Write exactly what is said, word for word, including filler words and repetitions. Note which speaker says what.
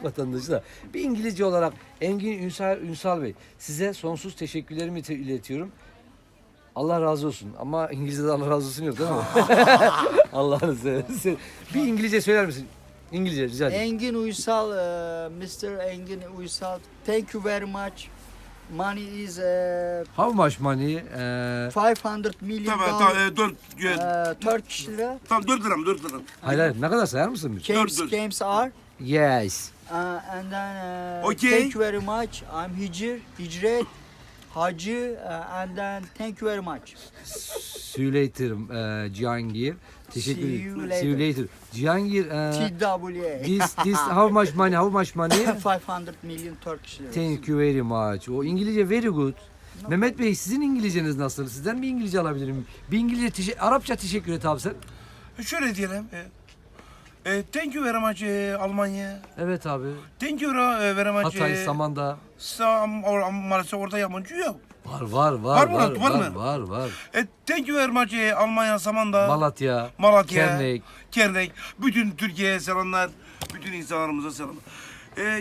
Speaker 1: vatandaşı da. Bir İngilizce olarak Engin Ünsal, Ünsal Bey, size sonsuz teşekkürlerimi te- iletiyorum. Allah razı olsun. Ama İngilizce'de Allah razı olsun yok değil mi? Allah'ını seversen. Bir İngilizce söyler misin? İngilizce rica ederim.
Speaker 2: Engin Uysal, uh, mister Engin Uysal, thank you very much. Money is uh,
Speaker 1: How much money? Ee,
Speaker 2: five hundred million
Speaker 3: Tamam
Speaker 2: dollars,
Speaker 3: tamam e, dört e,
Speaker 2: uh, Turkish lira.
Speaker 3: tamam dört lira mı dört lira.
Speaker 1: hayır hayır ne kadar sayar mısın? bir?
Speaker 2: Games,
Speaker 3: dur.
Speaker 2: games are.
Speaker 1: Yes.
Speaker 2: Uh, and then uh,
Speaker 3: Okay.
Speaker 2: thank you very much. I'm Hicr, Hicret, Hacı, uh, and then thank you very much.
Speaker 1: See you later e, Cihangir. Teşekkür
Speaker 2: See
Speaker 1: ederim.
Speaker 2: you
Speaker 1: See you
Speaker 2: later.
Speaker 1: later. Cihangir, e,
Speaker 2: T W A.
Speaker 1: this, this, how much money, how much money?
Speaker 2: five hundred million Turkish lira.
Speaker 1: Thank you very much. O İngilizce very good. Mehmet Bey sizin İngilizceniz nasıl? Sizden bir İngilizce alabilirim. Bir İngilizce, teşe- Arapça teşekkür et abi sen.
Speaker 3: E, Şöyle diyelim. E, e, thank you very much e, Almanya.
Speaker 1: Evet abi.
Speaker 3: Thank you e, very much.
Speaker 1: Hatay,
Speaker 3: e,
Speaker 1: Samandağ.
Speaker 3: Sam, or, maalesef orada yabancı yok.
Speaker 1: Var var var
Speaker 3: Var mı?
Speaker 1: var
Speaker 3: Var
Speaker 1: var
Speaker 3: mı?
Speaker 1: var var.
Speaker 3: E, thank you very much e, Almanya, Samandağ.
Speaker 1: Malatya,
Speaker 3: Malatya,
Speaker 1: Kernek.
Speaker 3: Kernek, bütün Türkiye'ye selamlar, bütün insanlarımıza selamlar. Ee,